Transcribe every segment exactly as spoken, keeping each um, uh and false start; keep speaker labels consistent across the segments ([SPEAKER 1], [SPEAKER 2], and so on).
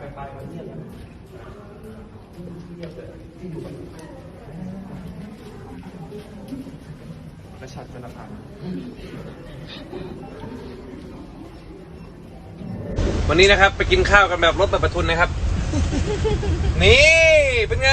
[SPEAKER 1] ปลายมันเงียบเงียบเลยที่อยู่มันกระชับกระพันวันนี้นะครับไปกินข้าวกันแบบรถแบบประทุนนะครับนี่เป็นไง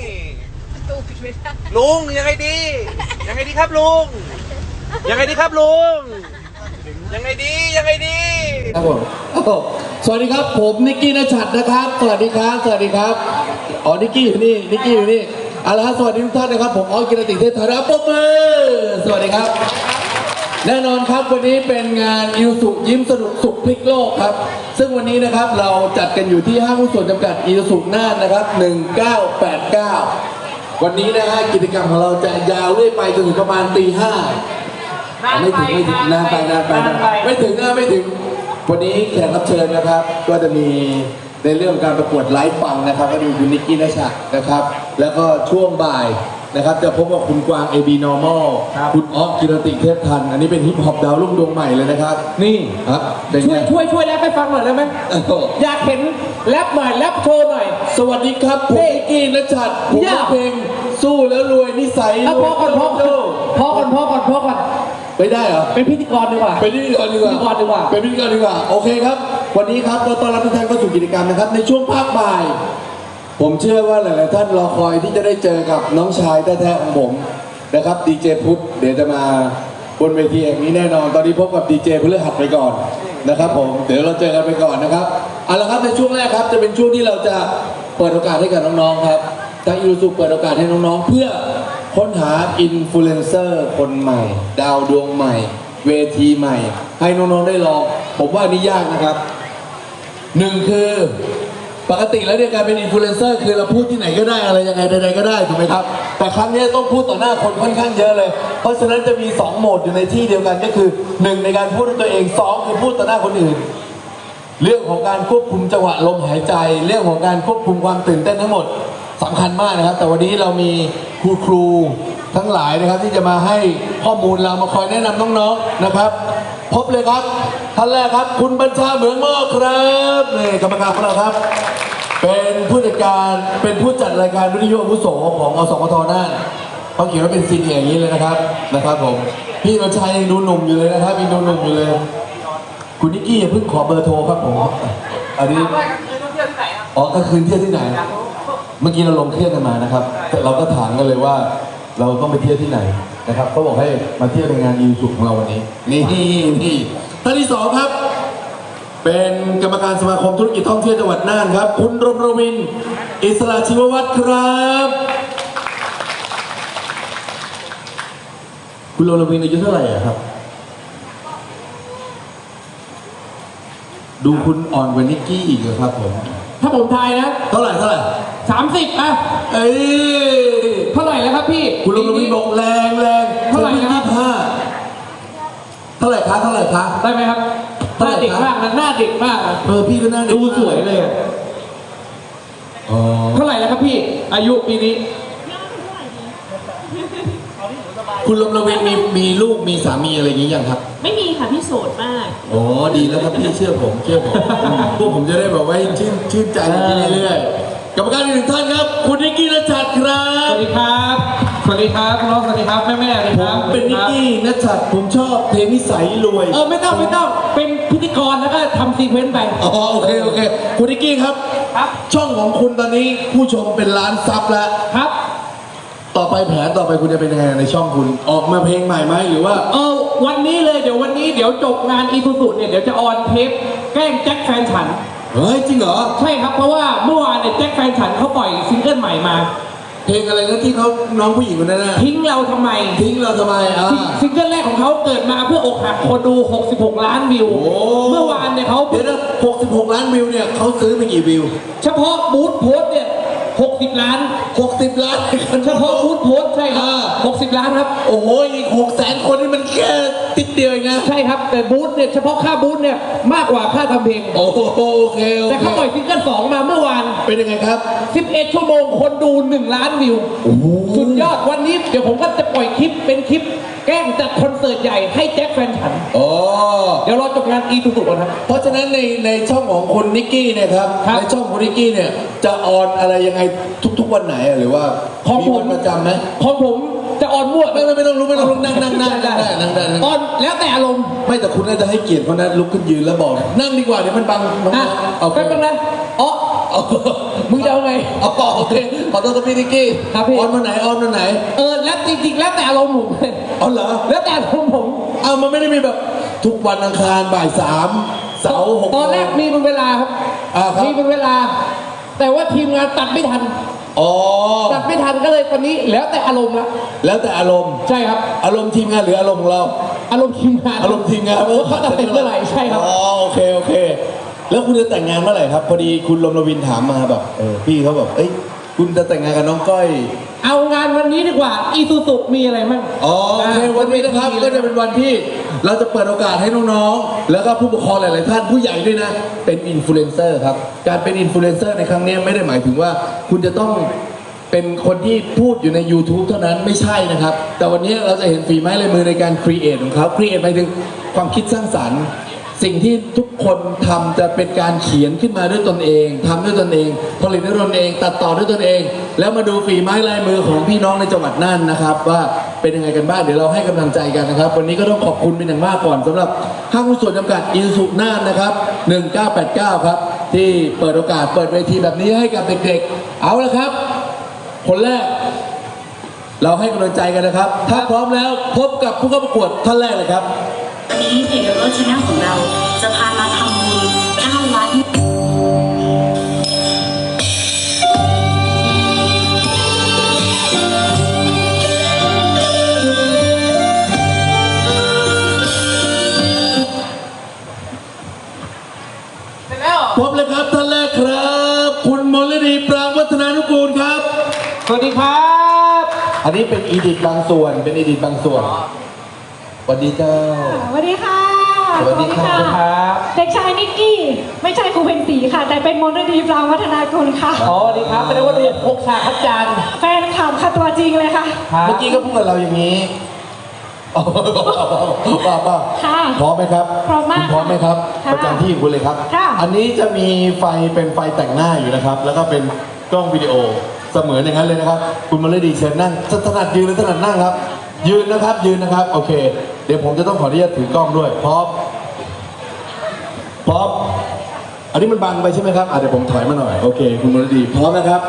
[SPEAKER 1] ลุงยังไงดียังไงดีครับลุงยังไงดีครับลุงยังไงดียังไงดี
[SPEAKER 2] ครับผมสวัสดีครับผมนิกกี้ณชัดนะครับสวัสดีครับสวัสดีครับอ๋อนิกกี้อยู่นี่นิกกี้อยู่นี่เอาละครับสวัสดีทุกท่านนะครับผมออสกิรติเทพธาราปกมือสวัสดีครับแน่นอนครับวันนี้เป็นงานอิวสุยิ้มสนุกสุขพลิกโลกครับซึ่งวันนี้นะครับเราจัดกันอยู่ที่ห้างหุ้นส่วนจำกัดอิวสุน่านนะครับหนึ่งเก้าแปดเก้าวันนี้นะฮะกิจกรรมของเราจะยาวเรื่อยไปจนถึงประมาณตีห้าไม่ถึงไม่ถึงนานไปนานไปไม่ถึงนะไม่ถึงวันนี้แขกรับเชิญนะครับก็จะมีในเรื่องการประกวดไลฟ์ฟังนะครับก็มีคุณนิกกี้ณชัดนะครับแล้วก็ช่วงบ่ายนะครับจะพบกับคุณกวาง เอ บี Normal คุณอ๊อฟกิรติเทพทันอันนี้เป็นฮิปฮอปดาวรุ่งดวงใหม่เลยนะครับนี่ครับ
[SPEAKER 3] ช่วยช่วยช่วยแรปให้ฟังหน่อยได้ไหมอยากเห็นแรปหน่อยแรปโชว์หน่อย
[SPEAKER 2] สวัสดีครับผมนิกกี้ณชัดผมเพลงสู้แล้วรวยนิสัย
[SPEAKER 3] พอก่อนพอก่อนพอก่อนพอก่อนพอก่อน
[SPEAKER 2] ไม่ได้เหรอ
[SPEAKER 3] เป็นพิธีกรดีกว่า
[SPEAKER 2] เป็นพิธีกรดีกว่า
[SPEAKER 3] พิธีกรดีกว่า
[SPEAKER 2] เป็นพิธีกรดีกว่าโอเคครับวันนี้ครับเราต้อนรับทุกท่านเข้าสู่กิจกรรมนะครับในช่วงภาคบ่ายผมเชื่อว่าหลายๆท่านรอคอยที่จะได้เจอกับน้องชายแท้ๆของผมนะครับดีเจพุทธเดี๋ยวจะมาบนเวทีแห่งนี้แน่นอนตอนนี้พบกับดีเจพฤหัสไปก่อนนะครับผมเดี๋ยวเราเจอกันไปก่อนนะครับเอาละครับในช่วงแรกครับจะเป็นช่วงที่เราจะเปิดโอกาสให้กับน้องๆครับทางอิรุสุเปิดโอกาสให้น้องๆเพื่อค้นหาอินฟลูเอนเซอร์คนใหม่ดาวดวงใหม่เวทีใหม่ให้น้องๆได้ลองผมว่านี่ยากนะครับหนึ่งคือปกติแล้วเนี่ยการเป็นอินฟลูเอนเซอร์คือเราพูดที่ไหนก็ได้อะไรยังไงใดๆก็ได้ถูกไหมครับแต่ครั้งนี้ต้องพูดต่อหน้าคนค่อนข้างเยอะเลยเพราะฉะนั้นจะมีสองโหมดอยู่ในที่เดียวกันก็คือหนึ่งในการพูดด้วยตัวเองสองคือพูดต่อหน้าคนอื่นเรื่องของการควบคุมจังหวะลมหายใจเรื่องของการควบคุมความตื่นเต้นทั้งหมดสำคัญมากนะครับแต่วันนี้เรามีครูครูทั้งหลายนะครับที่จะมาให้ข้อมูลเรามาคอยแนะนำน้องๆนะครับพบเลยครับท่านแรกครับคุณบัญชาเหมืองหม้อครับนี่กรรมการของเราครับเป็นผู้จัดการเป็นผู้จัดรายการวิทยุอาวุโสของอสมทน่านเขาเขียนว่าเป็นซีเนียร์อย่างนี้เลยนะครับนะครับผมพี่บัญชายังดูหนุ่มอยู่เลยนะครับยังดูหนุ่มอยู่เลยคุณนิกกี้อย่าเพิ่งขอเบอร์โทรครับผมอันนี้อ๋อกลางคืนเที่ยวที่ไหนเมื่อกี้เราลงเครื่องกันมานะครับเราก็ถามกันเลยว่าเราต้องไปเที่ยวที่ไหนนะครับเขาบอกให้มาเที่ยวในงานยูสุของเราวันนี้นี่นี่ท่านที่สองครับเป็นกรรมการสมาคมธุรกิจท่องเที่ยวจังหวัดน่านครับคุณรมรวินอิสระชีววัฒน์ครับคุณรมรวินอายุเท่าไหร่ครับดูคุณอ่อนกว่านิกกี้อีกเหรอครับผม
[SPEAKER 3] ถ้าผมทายนะ
[SPEAKER 2] เท่าไหร่เท่าไหร่
[SPEAKER 3] สามสิบอ่ะ
[SPEAKER 2] เอ้ย
[SPEAKER 3] เท่าไหร่แล้วครับพี่
[SPEAKER 2] คุณลงมีบอกแรงแรง
[SPEAKER 3] เท่าไหร่นะครับ
[SPEAKER 2] ห้าเท่าไหร่คะเท่าไหร่คะ
[SPEAKER 3] ได้ไหมครับหน้าเด็กมากนะหน้าเด็กมาก
[SPEAKER 2] เออพี่ก็หน้าเด็ก
[SPEAKER 3] ดูสวยเลยอ๋อเท่าไหร่แล้วครับพี่อายุปีนี้
[SPEAKER 2] คุณลมระเวงมีมีลูกมีสามีอะไรอย่างนี้ยังครับ
[SPEAKER 4] ไม่มีค่ะพี่โสดมาก
[SPEAKER 2] อ๋อดีแล้วครับพี่เชื่อผมเชื่อผมพวกผมจะได้แบบว่าชื่นชื่นใจเรื่อยๆกรรมการอีกหนึ่งท่านครับคุณนิกกี้ณชัดครับ
[SPEAKER 3] สวัสดีครับสวัสดีครับน้องสวัสดีครับแม่แม่เลยครับ
[SPEAKER 2] เป็นนิกกี้ณชัดผมชอบเพลงนิสัยรวย
[SPEAKER 3] เออไม่ต้องไม่ต้องเป็นพิธีกรแล้วก็ทำซีเควนต์ไป
[SPEAKER 2] อ๋อโอเคโอเคคุณนิกกี้ครับ
[SPEAKER 3] ครับ
[SPEAKER 2] ช่องของคุณตอนนี้ผู้ชมเป็นล้านซับแล้ว
[SPEAKER 3] ครับ
[SPEAKER 2] ต่อไปแผนต่อไปคุณจะเป็นยังไงในช่องคุณออกมาเพลงใหม่ไหมหรือว่า
[SPEAKER 3] เออวันนี้เลยเดี๋ยววันนี้เดี๋ยวจบงานอีซูซูเนี่ยเดี๋ยวจะออนเทปแกล้งแจ็คแฟนฉัน
[SPEAKER 2] เฮ้ยจริงเหรอ
[SPEAKER 3] ใช่ครับเพราะว่าเมื่อวานเนี่ยแจ็คแฟนฉันเขาปล่อยซิงเกิลใหม่มา
[SPEAKER 2] เพลงอะไรนะที่เขาน้องผู้หญิงคนนั้นนะ
[SPEAKER 3] ทิ้งเราทำไม
[SPEAKER 2] ทิ้งเราทำไมอ่า
[SPEAKER 3] ซิงเกิลแรกของเขาเกิดมาเพื่ออกหักคนดูหกสิบหกล้านวิวเมื่อวานเนี่ยเขา
[SPEAKER 2] เดี๋ยวนะหกสิบหกล้านวิวเนี่ยเขาซื้อไปกี่วิว
[SPEAKER 3] เฉพาะบูธโพสเนี่ยหกสิบล้าน
[SPEAKER 2] หกสิบล้าน
[SPEAKER 3] เฉพาะบูธโพสต์ใช่ครับ
[SPEAKER 2] อ่า
[SPEAKER 3] หกสิบล้านครับ
[SPEAKER 2] โอ้โหอีกหกแสนคนนี่มันแค่ติดเดียวเองนะ
[SPEAKER 3] ใช่ครับ แต่บูธเนี่ยเฉพาะค่าบูธเนี่ยมากกว่าค่าทำเพลง
[SPEAKER 2] โอ้โหโอเคโอ
[SPEAKER 3] แต่
[SPEAKER 2] เค
[SPEAKER 3] เขาปล่อยซิงเกิลสองมาเมื่อวาน
[SPEAKER 2] เป็นยังไงครับ
[SPEAKER 3] สิบเอ็ด ชั่วโมงคนดูหนึ่งล้านวิว
[SPEAKER 2] โอ้โห
[SPEAKER 3] สุดยอดวันนี้เดี๋ยวผมก็จะปล่อยคลิปเป็นคลิปแกล้งจัดคอนเสิร์ตใหญ่ให้แจ็คแฟนฉัน
[SPEAKER 2] อ๋อ
[SPEAKER 3] เดี๋ยวรอจบงานอีสุสุกันครับ
[SPEAKER 2] เพราะฉะนั้นในในช่องของคุณนิกกี้เนี่ยครับ
[SPEAKER 3] ครับ
[SPEAKER 2] ในช่องของคุณนิกกี้เนี่ยจะออนอะไรยังไงทุกๆวันไหนอะหรือว่า
[SPEAKER 3] ของ
[SPEAKER 2] มี
[SPEAKER 3] ผม
[SPEAKER 2] วันประจำไหม
[SPEAKER 3] ของผมจะออนมั่ว
[SPEAKER 2] ไม่ไม่ไม่ต้องรู้ไม่ต้องรู้นั่งนั่งนั่งนั่งได้นั่งได้นั่ง
[SPEAKER 3] ออนแล้วแต่อารมณ์
[SPEAKER 2] ไม่แต่คุณน่าจะให้เกียรติเขานะลุกขึ้นยืนแล้วบอก นั่งดีกว่าเดี๋ยวมันบังน้อง
[SPEAKER 3] อ่ะ
[SPEAKER 2] ๆเอา
[SPEAKER 3] แป๊บนึงนะอ๋อ
[SPEAKER 2] เอา
[SPEAKER 3] มึงจะเอาไง
[SPEAKER 2] เอาโอเคขอโทษครับพี่นิกกี้
[SPEAKER 3] ครับพี่
[SPEAKER 2] ออนวันไหนออนวันไหน
[SPEAKER 3] เออแล้วจริงๆแล้วแต่อารมณ์ผม
[SPEAKER 2] อ๋อเหรอ
[SPEAKER 3] แล้วแต่อารมณ์ผม
[SPEAKER 2] เอามันไม่ได้มีแบบทุกวันอังคารบ่ายสามเสาร์หก
[SPEAKER 3] ตอนแรกมีเป็นเวลาครับ
[SPEAKER 2] อ่าครับ
[SPEAKER 3] มีเป็นเวลา แต่ว่าทีมงานตัดไม่ทัน
[SPEAKER 2] อ๋อ
[SPEAKER 3] ตัดไม่ทันก็เลยตอนนี้แล้วแต่อารมณ์ละ
[SPEAKER 2] แล้วแต่อารมณ์
[SPEAKER 3] ใช่ครับ
[SPEAKER 2] อารมณ์ทีมงานหรืออารมณ์ของเรา
[SPEAKER 3] อารมณ์ทีมงาน
[SPEAKER 2] อารมณ์ทีมงาน
[SPEAKER 3] ว่าเขาตัดเสร็จเมื่อไหร่ใช่ครับ
[SPEAKER 2] อ๋อโอเคโอเค แล้วคุณจะแต่งงานเมื่อไหร่ครับ พอดีคุณลมรวินถามมาแบบเออพี่เขาแบบเอ้ยคุณจะแต่งงานกับน้องก้อย
[SPEAKER 3] เอางานวันนี้ดีกว่าอีซูซุมีอะไรมั่ง
[SPEAKER 2] อ๋อโอเควันนี้นะครับก็จะเป็นวันที่เราจะเปิดโอกาสให้น้องๆแล้วก็ผู้ปกครองหลายๆท่านผู้ใหญ่ด้วยนะเป็นอินฟลูเอนเซอร์ครับการเป็นอินฟลูเอนเซอร์ในครั้งนี้ไม่ได้หมายถึงว่าคุณจะต้องเป็นคนที่พูดอยู่ใน YouTube เท่านั้นไม่ใช่นะครับแต่วันนี้เราจะเห็นฝีไม้ลายมือในการครีเอทของเขาครีเอทหมายถึงความคิดสร้างสรรค์ สิ่งที่ทุกคนทำจะเป็นการเขียนขึ้นมาด้วยตนเองทำด้วยตนเอง ผลิตด้วยตนเอง ตัดต่อด้วยตนเอง แล้วมาดูฝีไม้ลายมือของพี่น้องในจังหวัดน่านนะครับ ว่าเป็นยังไงกันบ้างเดี๋ยวเราให้กำลังใจกันนะครับ วันนี้ก็ต้องขอบคุณเป็นอย่างมากก่อนสำหรับห้างหุ้นส่วนจำกัดอินสุน่านนะครับหนึ่งเก้าแปดเก้าครับที่เปิดโอกาสเปิดเวทีแบบนี้ให้กับเด็กๆเอาละครับ คนแรก เราให้กำลังใจกันนะครับ ถ้าพร้อมแล้วพบกับผู้เข้าประกวดท่านแรกเลยครับ
[SPEAKER 5] วันนี้เพจเดอะรถชาแนลของเราจะพามาทำบุญเก้าวัด
[SPEAKER 2] พบเลยครับท่านแรกครับ คุณมลดีปรางวัฒนานุกูลครับ
[SPEAKER 3] สวัสดีครับ
[SPEAKER 2] อันนี้เป็นอีดิทบางส่วนเป็นอีดิทบางส่วนสวัสดีเจ้า
[SPEAKER 6] สวัสดีค่ะ
[SPEAKER 2] สวัสดีครับ
[SPEAKER 6] สวัสดีเด็กชายนิกกี้ ไม่ใช่ครูเพ็ญศรีค่ะ แต่เป็นมนต์ดีปรางวัฒนากุลค่ะ
[SPEAKER 3] อ๋อสวัสดีครับแสดงว่าเรียนพกชาคัดจาน
[SPEAKER 6] แฟนคลับค่ะตัวจริงเลยค่ะ
[SPEAKER 3] ครับ
[SPEAKER 2] เมื่อกี้ก็พูดกับเราอย่างนี้ป้าป้า
[SPEAKER 6] ค่ะ
[SPEAKER 2] พร้อมไหมครับ
[SPEAKER 6] พร้อมมาก
[SPEAKER 2] คุณพร้อมไหมครับ
[SPEAKER 6] ค่ะ
[SPEAKER 2] ประจำที่ของคุณเลยครับ
[SPEAKER 6] ค่ะ
[SPEAKER 2] อันนี้จะมีไฟเป็นไฟแต่งหน้าอยู่นะครับ แล้วก็เป็นกล้องวิดีโอเสมือนอย่างนั้นเลยนะครับ คุณมลดีเชิญนั่งถนัดยืนหรือถนัดนั่งครับ ยืนนะครับยืนนะครับโอเค เดี๋ยวผมจะต้องขออนุญาตถือกล้องด้วยพร้อมพร้อมอันนี้มันบังไปใช่ไหมครับอ่ะเดี๋ยวผมถอยมาหน่อยโอเค คุณมลดีพร้อมนะครับ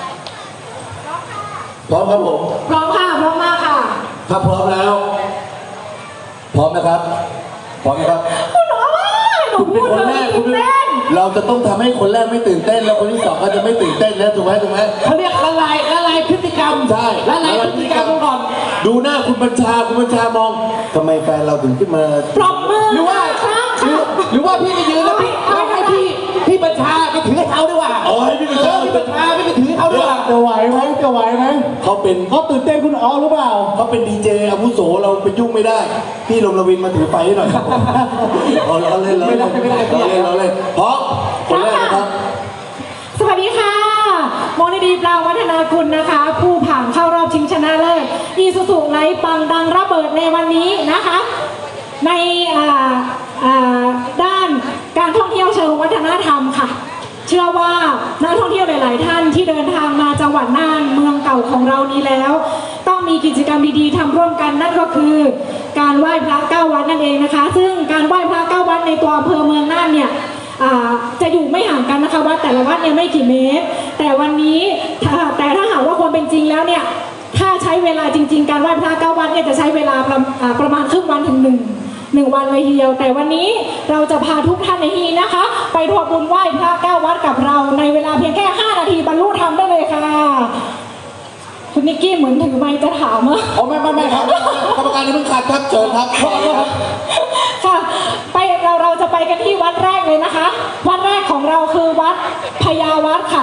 [SPEAKER 2] พร้อมครับผม
[SPEAKER 6] พร้อมค่ะ พร้อมมากค่ะ
[SPEAKER 2] ถ้าพร้อมแล้ว พร้อมนะครับ พร้อมนะครับ
[SPEAKER 6] คุณโอ้ยหนู
[SPEAKER 2] คุณ
[SPEAKER 6] พู
[SPEAKER 2] เป็น
[SPEAKER 6] ด
[SPEAKER 2] คน
[SPEAKER 6] เล
[SPEAKER 2] แร
[SPEAKER 6] ย
[SPEAKER 2] กคุณ
[SPEAKER 6] ตื่นเต้น
[SPEAKER 2] เราจะต้องทำให้คนแรกไม่ตื่นเต้น แล้วคนที่สองก็จะไม่ตื่นเต้นแล้วถูกไหมถูกไหม
[SPEAKER 3] เขาเรียกละลายละลายพฤติกรรม
[SPEAKER 2] ใช่
[SPEAKER 3] ละลายพฤติกรรมก่อน
[SPEAKER 2] ดูหน้าคุณบัญชาคุณบัญชามองทำไมแฟนเราถึงขึ้นมา
[SPEAKER 6] ปรบมือ
[SPEAKER 3] หรือว่า
[SPEAKER 6] ครับ
[SPEAKER 3] หรือหรือว่าพี่จะยืนแล้วพี่ไม่ให้พี่พี่บัญชาไปถือให้เขาดีกว่า
[SPEAKER 2] อ๋อให้พี่บัญชา
[SPEAKER 3] เออพี่บัญชาไม่ไปถือให้เขาดีกว่า
[SPEAKER 2] จะไหวไหมจะไหวไหมเขาเป็น
[SPEAKER 3] เขาตื่นเต้นคุณอ๋อหรือเปล่า
[SPEAKER 2] เขาเป็นดีเจอาวุโสเราไปยุ่งไม่ได้ พี่ลมรวินมาถือไฟให้หน่อยครับเราเราเล่นเราเล่นเราเล่นเราเล่นพร้อมคนแรกนะครับ
[SPEAKER 6] สวัสดีค่ะมนต์ดีปรางวัฒนากุลนะคะ ผู้ผ่านเข้ารอบชิงชนะเลิศอีซูซูไลฟ์ปังดังระเบิดในวันนี้นะคะ ในอ่าอ่าด้านการท่องเที่ยวเชิงวัฒนธรรมค่ะ เชื่อว่านักท่องเที่ยวหลาย ๆ ท่านที่เดินทางมาจังหวัดน่านเมืองเก่าของเรานี้แล้ว ต้องมีกิจกรรมดีๆทำร่วมกันนั่นก็คือการไหว้พระเก้าวัดนั่นเองนะคะ ซึ่งการไหว้พระเก้าวัดในตัวอำเภอเมืองน่านเนี่ยอ่าจะอยู่ไม่ห่างกันนะคะวัดแต่ละวัดเนี่ยไม่กี่เมตร แต่วันนี้ถ้าแต่ถ้าหากว่าความเป็นจริงแล้วเนี่ยถ้าใช้เวลาจริง ๆ การไหว้พระเก้าวัดเนี่ยจะใช้เวลาประอ่าประมาณครึ่งวันถึงหนึ่ง หนึ่งวันเลยทีเดียวแต่วันนี้เราจะพาทุกท่านในที่นะคะ ไปร่วมบุญไหว้พระเก้าวัดกับเราในเวลาเพียงแค่ห้านาทีบรรลุธรรมได้เลยค่ะคุณนิกกี้เหมือนถือไมค์จะถามอะ
[SPEAKER 2] อ๋อไม่ไม่ไม่ครับกรรมการอย่าเพิ่งขัดครับเชิญครับขอเลยครับ
[SPEAKER 6] ค่ะไปเราเราจะไปกันที่วัดแรกเลยนะคะ วัดแรกของเราคือวัดพญาวัดค่ะ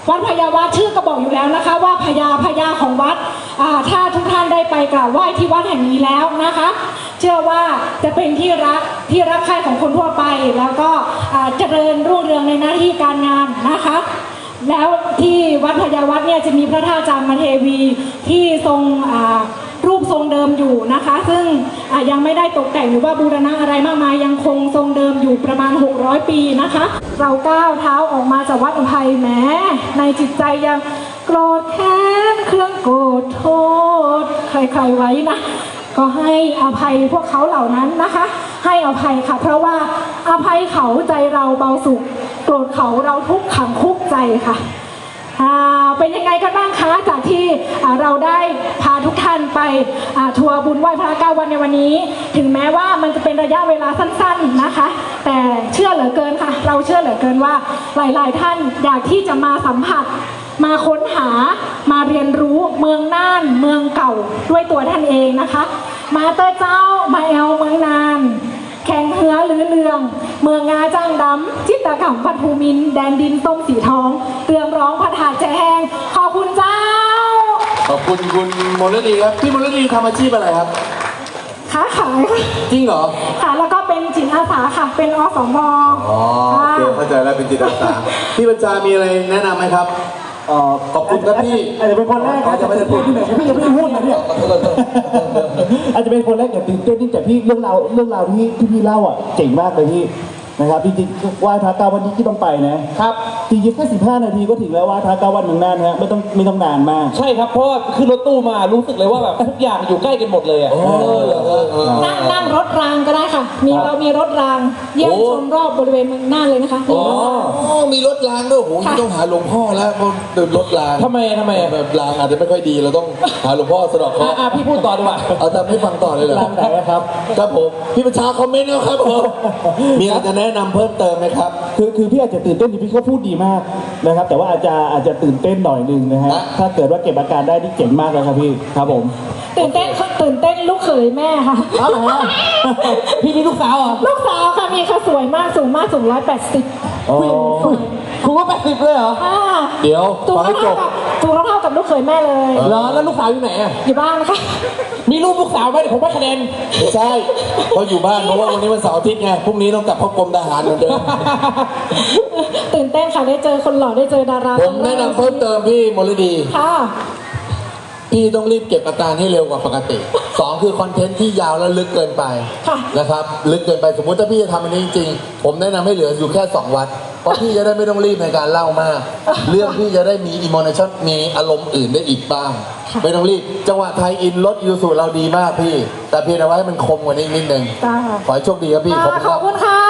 [SPEAKER 6] วัดพญาวัดชื่อก็บอกอยู่แล้วนะคะ ว่าพญาพญาของวัดอ่าถ้าทุกท่านได้ไปกราบไหว้ที่วัดแห่งนี้แล้วนะคะ เชื่อว่าจะเป็นที่รักที่รักใคร่ของคนทั่วไป แล้วก็อ่าเจริญรุ่งเรืองในหน้าที่การงานนะคะ แล้วที่วัดพญาวัดเนี่ยจะมีพระธาตุจามเทวีที่ทรงอ่ารูปทรงเดิมอยู่นะคะ ซึ่งยังไม่ได้ตกแต่งหรือว่าบูรณะอะไรมากมายยังคงทรงเดิมอยู่ประมาณหกร้อยปีนะคะ เราก้าวเท้าออกมาจากวัดอุทัยแม้ในจิตใจยังโกรธแค้นเครื่องโกรธโทษใครๆไว้นะก็ให้อภัยพวกเขาเหล่านั้นนะคะ ให้อภัยค่ะเพราะว่าอภัยเขาใจเราเบาสุขโกรธเขาเราทุกข์ขังคุกใจค่ะเป็นยังไงกันบ้างคะจากที่เราได้พาทุกท่านไปทัวร์บุญไหว้พระเก้าวันในวันนี้ถึงแม้ว่ามันจะเป็นระยะเวลาสั้นๆนะคะแต่เชื่อเหลือเกินค่ะเราเชื่อเหลือเกินว่าหลายๆท่านอยากที่จะมาสัมผัสมาค้นหามาเรียนรู้เมืองน่านเมืองเก่าด้วยตัวท่านเองนะคะมาเตอร์เจ้ามาแอลเมืองนานแข่งเหือหรือเรืองเมืองงาจ้างดำจิตตะขำปัทภูมินแดนดินส้มสีทองเรืองร้องพระถาแจแหงขอบคุณเจ้า
[SPEAKER 2] ขอบคุณคุณมลดีครับพี่มลดีทำอาชีพอะไรครับ
[SPEAKER 6] ค้าขายค่ะ
[SPEAKER 2] จริงเหรอ
[SPEAKER 6] ค่ะแล้วก็เป็นจิตอาสาค่ะเป็นอสม
[SPEAKER 2] อ๋อโอเคเข้าใจแล้วเป็นจิตอาสาพี่บัญชามีอะไรแนะนำไหมครับขอบคุณครับพี่
[SPEAKER 7] อาจจะเป็นคนแรกอาจจะไม่ได้พูดที่ไหนพี่ยังไม่ได้พูดนะเนี่ยอาจจะเป็นคนแรกอย่าตื่นเต้นที่แต่พี่เรื่องราวเรื่องราวที่ที่พี่เล่าอ่ะเจ๋งมากเลยพี่นะครับจริงๆไหว้พระเก้าวันนี้ที่ต้องไปนะครับจริงๆแค่สิบห้านาทีก็ถึงแล้วไหว้พระเก้าวันเมืองน่านฮะไม่ต้องไม่ต้องนานมาก
[SPEAKER 3] ใช่ครับเพราะขึ้นรถตู้มารู้สึกเลยว่าแบบทุกอย่างอยู่ใกล้กันหมดเลยอ่ะ
[SPEAKER 6] นั่งนั่งรถรางก็ได้ค่ะมีเรามีรถรางเยี่ยมชมรอบบริเวณเมืองน่านเลยนะคะ
[SPEAKER 2] อ๋อมีรถรางด้วยโหต้องหาหลวงพ่อแล้วเดินรถราง
[SPEAKER 3] ทำไมทำไม
[SPEAKER 2] แบบรางอาจจะไม่ค่อยดีเราต้องหาหลวงพ่อสะดอกเคราะ
[SPEAKER 3] ห์พี่พูดต่อดีกว่า
[SPEAKER 2] เอาแต่ไม่ฟังต่อเลยเหรอ
[SPEAKER 7] รางไหนครับ
[SPEAKER 2] ครับผมพี่ประชาคอมเมนต์นะครับผมมีอะไรจะแนะนำเพิ่มเติมไหมครับ
[SPEAKER 7] คือคือพี่อาจจะตื่นเต้นที่พี่เขาพูดดีมากนะครับแต่ว่าอาจจะอาจจะตื่นเต้นหน่อยนึงนะฮะถ้าเกิดว่าเก็บอาการได้ที่เจ๋งมากเลยครับพี่ครับผม
[SPEAKER 6] ตื่นเต้นตื่นเต้นลูกเขยแม่ค่ะ
[SPEAKER 7] อ๋อเหรอ
[SPEAKER 3] พี่มีลูกสาวเหรอ
[SPEAKER 6] ลูกสาวค่ะมีค่ะสวยมากสูงมากสูงร้อยแปดสิบ
[SPEAKER 3] คุณว่าแปดสิบเลยเหรอ
[SPEAKER 2] เดี๋ยว
[SPEAKER 6] สูงเท่ากับสูงเท่ากับลูกเขยแม่เลย
[SPEAKER 3] เหรอแล้วลูกสาวอยู่ไหนอ่ะ
[SPEAKER 6] อยู่บ้านนะคะ
[SPEAKER 3] มีรูปลูกสาวไหมเดี๋ยวผมให้คะแนน
[SPEAKER 2] ไม่ใช่เขาอยู่บ้านเพราะว่าวันนี้วันเสาร์อาทิตย์ไงพรุ่งนี้ต้องกลับเข้ากรมทหารเหมือนเดิม
[SPEAKER 6] ตื่นเต้นค่ะได้เจอคนหล่อได้เจอดารา
[SPEAKER 2] ผมแนะนำเพิ่มเติมพี่มลดี
[SPEAKER 6] ค่ะ
[SPEAKER 2] พี่ต้องรีบเก็บอาการให้เร็วกว่าปกติสองคือคอนเทนต์ที่ยาวและลึกเกินไปนะครับลึกเกินไปสมมุติถ้าพี่จะทำอันนี้จริงๆผมแนะนำให้เหลืออยู่แค่สองวัดเพราะพี่จะได้ไม่ต้องรีบในการเล่ามากเรื่องพี่จะได้มีอิโมชันมีอารมณ์อื่นได้อีกบ้างไม่ต้องรีบจังหวะไทยอินรถยูสุเราดีมากพี่แต่เพียงแต่ว่าให้มันคมกว่านี้นิดนึงขอให้โชคดีครับพี่
[SPEAKER 6] ขอบคุณค่ะขอบคุณค่ะ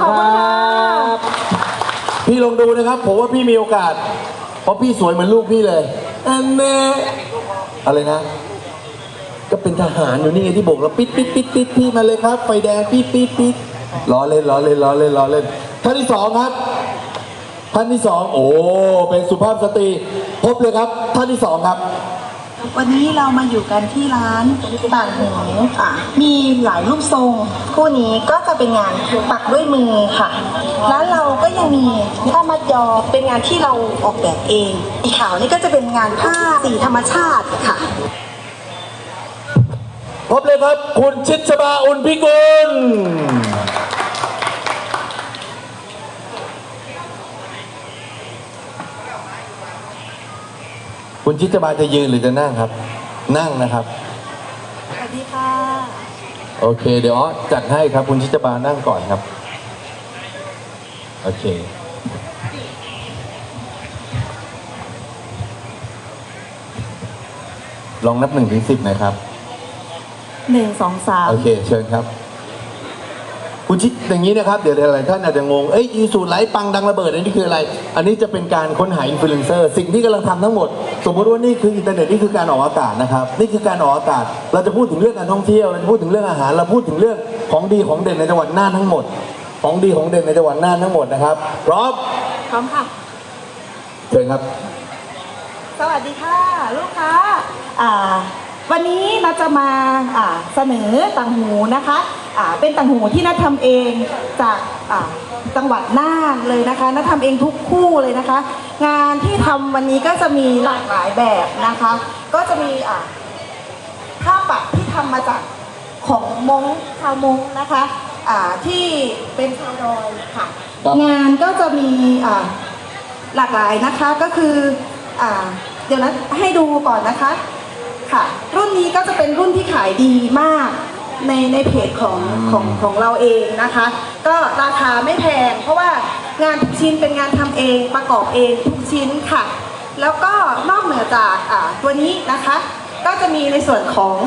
[SPEAKER 2] พี่ลองดูนะครับผมว่าพี่มีโอกาสเพราะพี่สวยเหมือนลูกพี่เลยอันแน่อะไรนะก็เป็นทหารอยู่นี่ไงที่โบกเราปิดปิดปิดปิดพี่มาเลยครับไฟแดงปิดปิดปิดล้อเล่นล้อเล่นล้อเล่นล้อเล่นท่านที่สองครับท่านที่สองโอ้เป็นสุภาพสตรีพบเลยครับท่านที่สองครับ
[SPEAKER 8] วันนี้เรามาอยู่กันที่ร้านต่างหูค่ะมีหลายรูปทรงคู่นี้ก็จะเป็นงานปักด้วยมือค่ะร้านเราก็ยังมีผ้ามัดยอเป็นงานที่เราออกแบบเองสีขาวนี่ก็จะเป็นงานผ้าสีธรรมชาติค่ะ
[SPEAKER 2] พบเลยครับคุณชิดชบาอุ่นพิกุลคุณชิดชบาจะยืนหรือจะนั่งครับนั่งนะครับ
[SPEAKER 8] สวัสดีค่ะ
[SPEAKER 2] โอเคเดี๋ยวจัดให้ครับคุณชิดชบานั่งก่อนครับโอเคลองนับหนึ่งถึงสิบนะครับ
[SPEAKER 8] หนึ่งสองสาม
[SPEAKER 2] โอเคเชิญครับคุณชิดอย่างนี้นะครับเดี๋ยวหลายท่านอาจจะงงเอ้ยอีสูตรไลฟ์ปังดังระเบิดอันนี้คืออะไรอันนี้จะเป็นการค้นหาอินฟลูเอนเซอร์สิ่งที่กำลังทำทั้งหมดสมมติว่านี่คืออินเทอร์เน็ตนี่คือการออกอากาศนะครับนี่คือการออกอากาศเราจะพูดถึงเรื่องการท่องเที่ยวเราจะพูดถึงเรื่องอาหารเราพูดถึงเรื่องของดีของเด่นในจังหวัดน่านทั้งหมดของดีของเด่นในจังหวัดน่านทั้งหมดนะครับพร้อม
[SPEAKER 8] พร้อมค่ะ
[SPEAKER 2] เชิญครับ
[SPEAKER 8] สวัสดีค่ะลูกค้าอ่าวันนี้เราจะมาอ่าเสนอต่างหูนะคะอ่าเป็นต่างหูที่นัททำเองจากอ่าจังหวัดน่านเลยนะคะนัททำเองทุกคู่เลยนะคะ งานที่ทำวันนี้ก็จะมีหลากหลายแบบนะคะ ก็จะมีอ่าผ้าปักที่ทำมาจากของมงชาวมงนะคะอ่าที่เป็นชาวดอยค่ะ
[SPEAKER 2] ครับ
[SPEAKER 8] งานก็จะมีอ่าหลากหลายนะคะก็คืออ่าเดี๋ยวนะให้ดูก่อนนะคะค่ะรุ่นนี้ก็จะเป็นรุ่นที่ขายดีมากในในเพจของของของเราเองนะคะ ก็ราคาไม่แพงเพราะว่างานทุกชิ้นเป็นงานทำเองประกอบเองทุกชิ้นค่ะ แล้วก็นอกเหนือจากอ่าตัวนี้นะคะ ก็จะมีในส่วนของ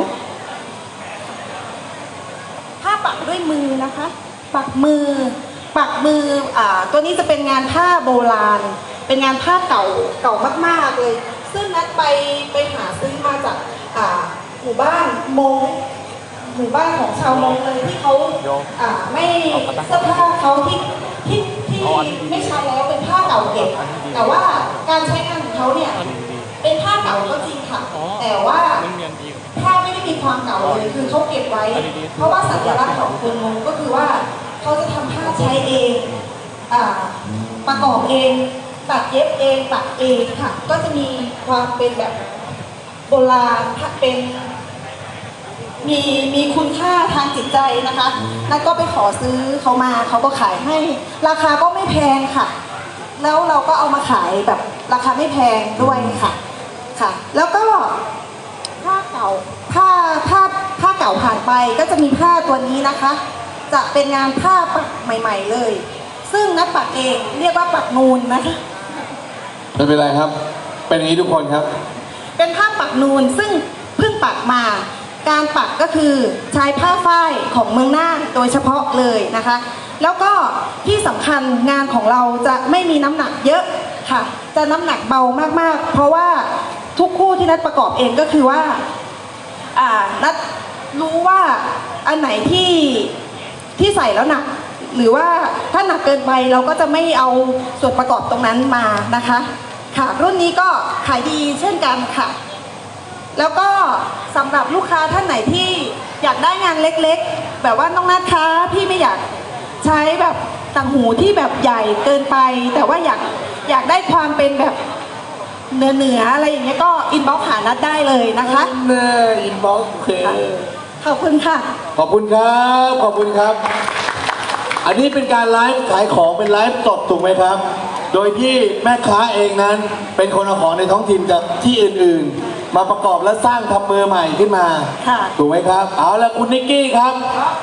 [SPEAKER 8] ผ้าปักด้วยมือนะคะ ปักมือ ปักมืออ่าตัวนี้จะเป็นงานผ้าโบราณ เป็นงานผ้าเก่าเก่ามากๆเลย ซึ่งนัดไปไปหาซื้อมาจากอ่าหมู่บ้านมงหมู่บ้านของชาวมงเลยที่เขาอ่าไม่เสื้อผ้าเขาที่ที่ที่ไม่ใช้แล้วเป็นผ้าเก่าเก็บแต่ว่าการใช้งานของเขาเนี่ยเป็นผ้าเก่าก็จริงค่ะ แต่ว่าผ้าไม่ได้มีความเก่าเลยคือเขาเก็บไว้ เพราะว่าสัญลักษณ์ของคนมงก็คือว่าเขาจะทำผ้าใช้เองอ่าประกอบเองตัดเย็บเองปักเองค่ะ ก็จะมีความเป็นแบบโบราณเป็นมีมีคุณค่าทางจิตใจนะคะนั่นก็ไปขอซื้อเขามาเขาก็ขายให้ราคาก็ไม่แพงค่ะ แล้วเราก็เอามาขายแบบราคาไม่แพงด้วยค่ะค่ะ แล้วก็ผ้าเก่าผ้าผ้าผ้าเก่าผ่านไปก็จะมีผ้าตัวนี้นะคะ จะเป็นงานผ้าปักใหม่ ๆเลย ซึ่งนักปักเองเรียกว่าปักนูนนะคะ
[SPEAKER 2] ไม่เป็นไรครับ เป็นอย่างนี้ทุกคนครับ
[SPEAKER 8] เป็นผ้าปักนูนซึ่งเพิ่งปักมา การปักก็คือใช้ผ้าฝ้ายของเมืองน่านโดยเฉพาะเลยนะคะ แล้วก็ที่สำคัญงานของเราจะไม่มีน้ำหนักเยอะค่ะ จะน้ำหนักเบามากๆ เพราะว่าทุกคู่ที่นัดประกอบเองก็คือว่าอ่านัดรู้ว่าอันไหนที่ที่ใส่แล้วหนัก หรือว่าถ้าหนักเกินไปเราก็จะไม่เอาส่วนประกอบตรงนั้นมานะคะค่ะรุ่นนี้ก็ขายดีเช่นกันค่ะ แล้วก็สำหรับลูกค้าท่านไหนที่อยากได้งานเล็กๆแบบว่าน้องนัทคะพี่ไม่อยากใช้แบบต่างหูที่แบบใหญ่เกินไป แต่ว่าอยากอยากได้ความเป็นแบบเนื้อเนื้ออะไรอย่างเงี้ยก็อินบ็อกซ์หานัดได้เลยนะคะ
[SPEAKER 2] เนออินบ็อกซ์เค
[SPEAKER 8] ขอบคุณค่ะ
[SPEAKER 2] ขอบคุณครับ ขอบคุณครับ อันนี้เป็นการไลฟ์ขายของเป็นไลฟ์สดถูกไหมครับ โดยที่แม่ค้าเองนั้นเป็นคนเอาของในท้องถิ่นจากที่อื่นๆ มาประกอบและสร้างทำมือใหม่ขึ้นมา
[SPEAKER 8] ค่ะ
[SPEAKER 2] ถูกไหมครับ เอาละคุณนิกกี้ครับ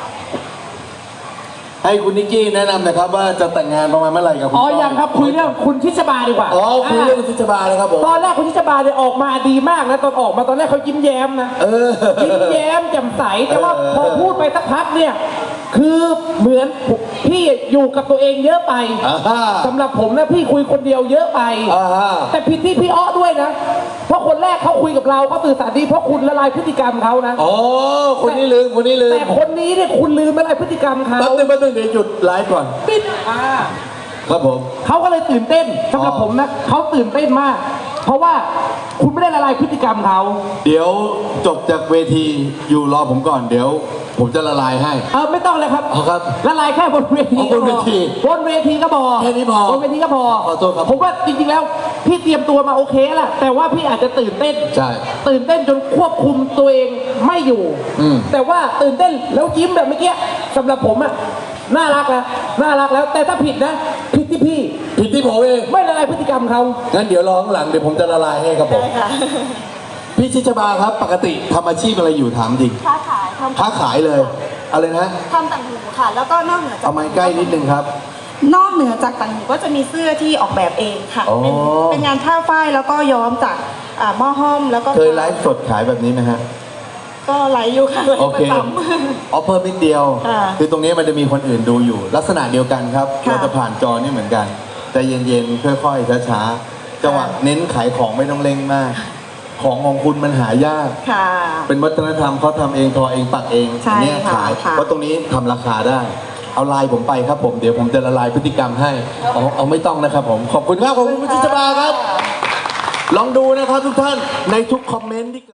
[SPEAKER 2] ให้คุณนิกกี้แนะนำหนะครับว่าจะแต่งงานประมาณเมื่อไหร่กับคุณ
[SPEAKER 3] อ๋อ
[SPEAKER 2] ก้
[SPEAKER 3] ยังครับคุยเรื่องคุณทิชบาดีกว่า
[SPEAKER 2] อ๋อคุยเรื่องคุณทิชบาเลยครับผม
[SPEAKER 3] ตอนแรกคุณทิชบาเนี่ยออกมาดีมากนะตอนออกมาตอนแรกเขายิ้มแย้มนะ
[SPEAKER 2] เออ
[SPEAKER 3] ยิ้มแย้มแจ่มใสแต่ว่า
[SPEAKER 2] เออ
[SPEAKER 3] พอพูดไปสักพักเนี่ย คือเหมือนพี่อยู่กับตัวเองเยอะไป
[SPEAKER 2] อ่าฮะ
[SPEAKER 3] สำหรับผมนะพี่คุยคนเดียวเยอะไป
[SPEAKER 2] อ่าฮะ
[SPEAKER 3] แต่ผิดที่พี่อ้อด้วยนะ เพราะคนแรกเขาคุยกับเราเขาสื่อสารดีเพราะคุณละลายพฤติกรรมเขานะ
[SPEAKER 2] อ๋อคนนี้ลืมคนนี้ลืม
[SPEAKER 3] แต่คนนี้เนี่ยคุณลืมละลายพฤติกรรมเขา
[SPEAKER 2] แป๊บนึงแป๊บนึงเดี๋ยวหยุดไลฟ์ก่อน
[SPEAKER 3] ปิดอ่า
[SPEAKER 2] ครับผม
[SPEAKER 3] เขาก็เลยตื่นเต้นสำหรับ
[SPEAKER 2] อ๋อ
[SPEAKER 3] ผมนะเขาตื่นเต้นมาก เพราะว่าคุณไม่ได้ละลายพฤติกรรมเขา
[SPEAKER 2] เดี๋ยวจบจากเวทีอยู่รอผมก่อนเดี๋ยว ผมจะละลายให้
[SPEAKER 3] เออไม่ต้องเลยครับ
[SPEAKER 2] อ๋อครับ
[SPEAKER 3] ละลายแค่บนเวที
[SPEAKER 2] อ๋อบนเวที
[SPEAKER 3] บนเวทีก็พอ
[SPEAKER 2] แค่นี้พอบ
[SPEAKER 3] นเวทีก็พอ
[SPEAKER 2] ขอโทษครับ
[SPEAKER 3] ผมว่าจริงๆแล้วพี่เตรียมตัวมาโอเคแหละแต่ว่าพี่อาจจะตื่นเต้น
[SPEAKER 2] ใช่
[SPEAKER 3] ตื่นเต้นจนควบคุมตัวเองไม่อยู่
[SPEAKER 2] อืม
[SPEAKER 3] แต่ว่าตื่นเต้นแล้วยิ้มแบบเมื่อกี้สำหรับผมอะน่ารักแล้วน่ารักแล้ว แต่ถ้าผิดนะผิดที่พี่
[SPEAKER 2] ผิดที่ผมเอง
[SPEAKER 3] ไม่ละลายพฤติกรรมเขา
[SPEAKER 2] งั้นเดี๋ยวรอข้างหลังเดี๋ยวผมจะละลายให้ครับผม
[SPEAKER 8] ได้ค่ะ
[SPEAKER 2] พี่ชิชบาครับ ปกติทำอาชีพอะไรอยู่ถามจริง
[SPEAKER 8] ค้าขายทำ
[SPEAKER 2] ค้าขายเลย อะไรนะ
[SPEAKER 8] ทำต่างหูค่ะ แล้วก็นอกเหนือจาก
[SPEAKER 2] เอาไม้ใกล้นิดนึงครับ
[SPEAKER 8] นอกเหนือจากต่างหูก็จะมีเสื้อที่ออกแบบเองค่ะ
[SPEAKER 2] อ๋อ
[SPEAKER 8] เป็นเป็นงานผ้าฝ้ายแล้วก็ย้อมจากอ่าหม้อห้อมแล้วก็
[SPEAKER 2] เคยไลฟ์สดขายแบบนี้ไหมฮะ
[SPEAKER 8] ก็ไลฟ์อยู่ค่ะไลฟ์
[SPEAKER 2] โอ
[SPEAKER 8] ป
[SPEAKER 2] เค
[SPEAKER 8] ระจ
[SPEAKER 2] อ๋อเพิ่มนิดเดียว
[SPEAKER 8] ค่ะ
[SPEAKER 2] คือตรงนี้มันจะมีคนอื่นดูอยู่ ลักษณะเดียวกันครับ
[SPEAKER 8] ค่ะ
[SPEAKER 2] เราจะผ่านจอนี่เหมือนกันใจเย็นๆ ค่อยๆ ช้าๆ จังหวะ
[SPEAKER 8] ค่ะ
[SPEAKER 2] เน้นขายของไม่ต้องเร่งมาก ของของคุณมันหายาก
[SPEAKER 8] ำค่ะ
[SPEAKER 2] เป็นวัฒนธรรมเขาทำเองทอเองปักเอง
[SPEAKER 8] ใช่
[SPEAKER 2] เนี่ย
[SPEAKER 8] ค่ะ
[SPEAKER 2] ขาย
[SPEAKER 8] ค่ะ
[SPEAKER 2] เพราะตรงนี้ทำราคาได้ เอาไลน์ผมไปครับผมเดี๋ยวผมจะละลายพฤติกรรมให้เอาเอาไม่ต้องนะครับผม ขอบคุณครับขอบคุณคุณชิชบาครับ ลองดูนะครับทุกท่านในทุกคอมเมนต์ที่